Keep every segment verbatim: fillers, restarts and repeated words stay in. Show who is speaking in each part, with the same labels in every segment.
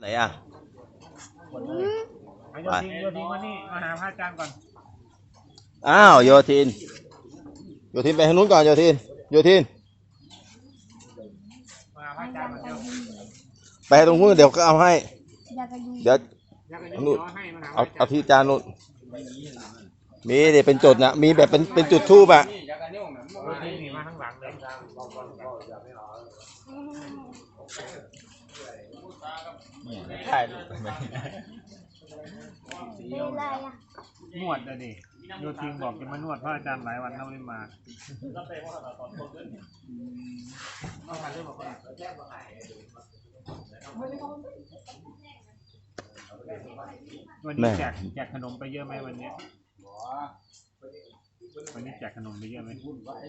Speaker 1: อ่ะ
Speaker 2: โยทินโยทินมานี่มาหาพระอาจารย์ก่อน
Speaker 1: อ้าวโยทินโยทินไปทางนู้นก่อนโยทินโยทิน
Speaker 2: มาหาพระอาจารย์มาเร็ว
Speaker 1: ไปตรงนู้นเดี๋ยวก็เอาให้เดี๋ยวนู้นเอาเอาที่จานนู้นมีเดี๋ยวเป็นจุดนะมีแบบเป็นเป็นจุดทูบอ่ะ
Speaker 2: โยทินนี่มาข้างหลังเลย
Speaker 3: ใช่ไหม
Speaker 2: นวดเลยดิโยทินบอกจะมานวดพระอาจารย์หลายวันแล้วไม่มาวันนี้แจกแจกขนมไปเยอะไหมวันนี้วันนี้แจกขนมไปเยอะไหม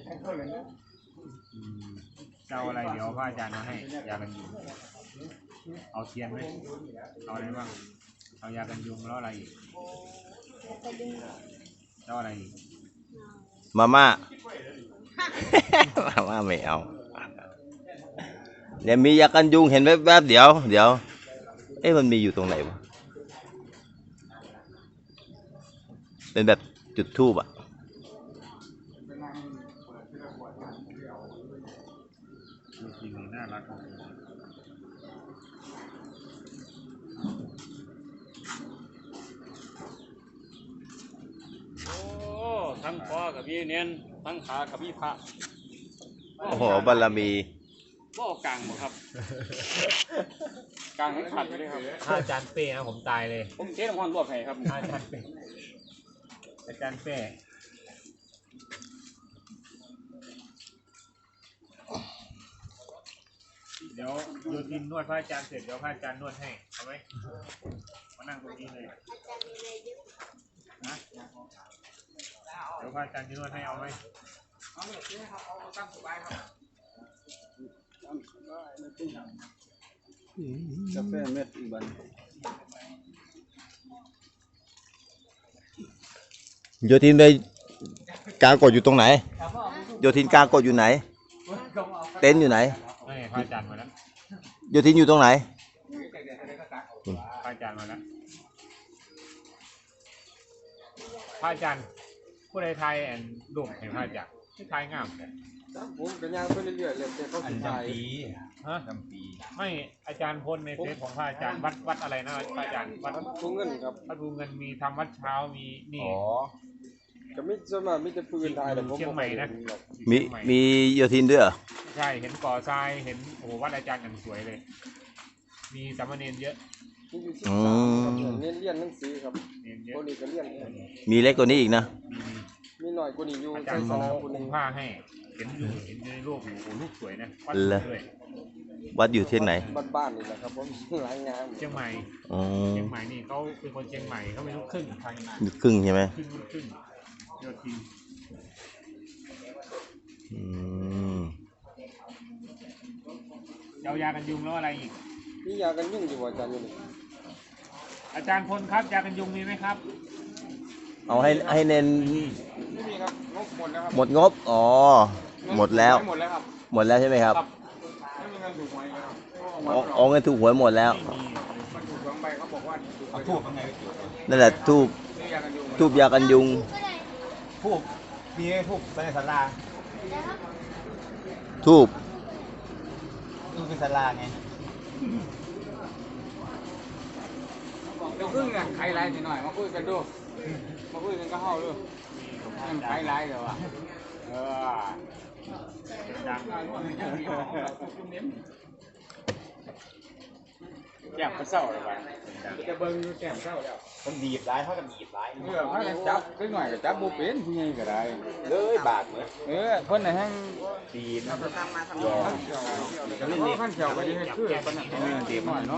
Speaker 2: เจ้าอะไรเดี๋ยวพระอาจารย์มาให้ยากันยุงเอาเทียนไหมเอาอะไรบ้างเอายากันยุงแล้วอะไรอีกเจ้าอะไรอีก
Speaker 1: มาม่ามาม่าไม่เอาเนี่ยมียากันยุงเห็นแวบๆเดี๋ยวเดี๋ยวเอ๊ะมันมีอยู่ตรงไหนวะเป็นแบบจุดธูปอ่ะ
Speaker 2: จริงๆน่ารักโอ้ทั้งคอกับพี่เนียนทั้งขากับพี่พระ
Speaker 1: โอ้โหบารมี
Speaker 2: บ่กลางหมดครับกลางให้ขัดเลยครับอาจารย์เป้นะผมตายเลยผมเทน้ำมันรวบให้ครับอาจารย์เป้อาจารย์เป้เดี๋ยวโยทินนวดพระอาจารย์เสร็จเดี๋ยวพระอาจารย์นวดให้เอาไหมมานั่งตรงนี้เลยนะเดี๋ยวพระอาจารย์จะนวดให้เอาไหมเอาเลยครับเอาตามสบายครับ
Speaker 3: กาแฟเม็ดอีกบัน
Speaker 1: โยทินไปกากดอยู่ตรงไหนโยทินกากดอยู่ไหนเต็นท์อยู่ไหน
Speaker 2: ไม่พระอาจารย์มาแล้ว
Speaker 1: โยทินอยู่ตรงไหน
Speaker 2: พระอาจารย์มาแล้วพระอาจารย์ผู้ใดไทยแอนดุมเห็นพระอาจารย์ที่ไทยงาม
Speaker 3: ผมกันย่างไปเรื่อยๆเลยแต่เขา
Speaker 2: จำปีฮะจำปีไม่อาจารย์พลในเฟซของพระอาจารย์วัดวัดอะไรนะพระอาจารย์วัด
Speaker 3: ภูเงินครับ
Speaker 2: วัดภูเงินมีทำวัดเช้ามีนี่
Speaker 3: อ๋อจะไม่จะมาไม่จะพื้นไทยแต่ผม
Speaker 2: เชียงใหม่นะ
Speaker 1: มีมีโยทินด้วยเหรอ
Speaker 2: ใช่เห็นก่อทรายเห็นโอ้วัดอาจารย์อย่างสวยเลยมีสามเณรเยอะ
Speaker 3: อืมเรียนเรียนหนังสือครับคนนี้ก็เรียน
Speaker 1: มีเล็กกว่านี้อีกนะ
Speaker 3: มีหน่อยกว่านี้อยู่
Speaker 2: อาจารย์เขาคุมผ้าให้เห็นอยู่เห็นในรูปอยู่โอ้รูปสวยนะวัดด้วย
Speaker 1: วัดอยู่ที่ไหน
Speaker 3: บ้านๆนี่แหละครับผมหลายงาน
Speaker 2: เชียงใหม่เชียงใหม่นี่เขาเป็นคนเชียงใหม่เขาเป็นลูกครึ่งทางนั้น
Speaker 1: ลูกครึ่งใช่ไหม
Speaker 2: ครึ่งลูกครึ่งโยทินเอายากันยุงแล้วอะไรอีก
Speaker 3: นี่ยากันยุงอยู่อาจารย์อยู่นี่
Speaker 2: อาจารย์พลครับยากันยุงมีไหมครับ
Speaker 1: เอาให้ให้เน้น
Speaker 3: ไม่มีครับงบหมดแล้วครับ
Speaker 1: หมดงบอ๋อหมดแล้ว
Speaker 3: หมดแล้วครับ
Speaker 1: หมดแล้วใช่ไหมครับ
Speaker 3: ไม่มีเงินถูกหวยครับ
Speaker 1: อ๋อเงินถูกหวยหมดแล้ว
Speaker 3: มันถูกสองใบเขาบอกว่าเอาทูบยังไง
Speaker 1: นั่นแหละทูบทูบยากันยุง
Speaker 3: ทูบมีทูบในศาลา
Speaker 1: ทูบ
Speaker 3: ทูบเป็นศาลาไงเดี๋ยวครึ่งอ่ะใครไล่นิดหน่อยมาคุยกันดูมาคุยกันก็เข้าดูยังใครไล่เดี๋ยวอ่ะเออ
Speaker 2: ดังแก้มก็เศร้าเลยไป
Speaker 3: จะเบิ้งแก้มเศร้าแล้ว
Speaker 2: มันดีบร้ายเท่ากับดีบร้าย
Speaker 3: เออเขาจับไปหน่อยก็จับโบเป็นผู้ใหญ่ก็ได้
Speaker 2: เลยบาดเลย
Speaker 3: เออคนไหนแห้ง
Speaker 2: ดี
Speaker 3: นะขั้นเขียวขั้นเขียวก็ดีให้คือขั้นเขียวดีหน่อยเนาะ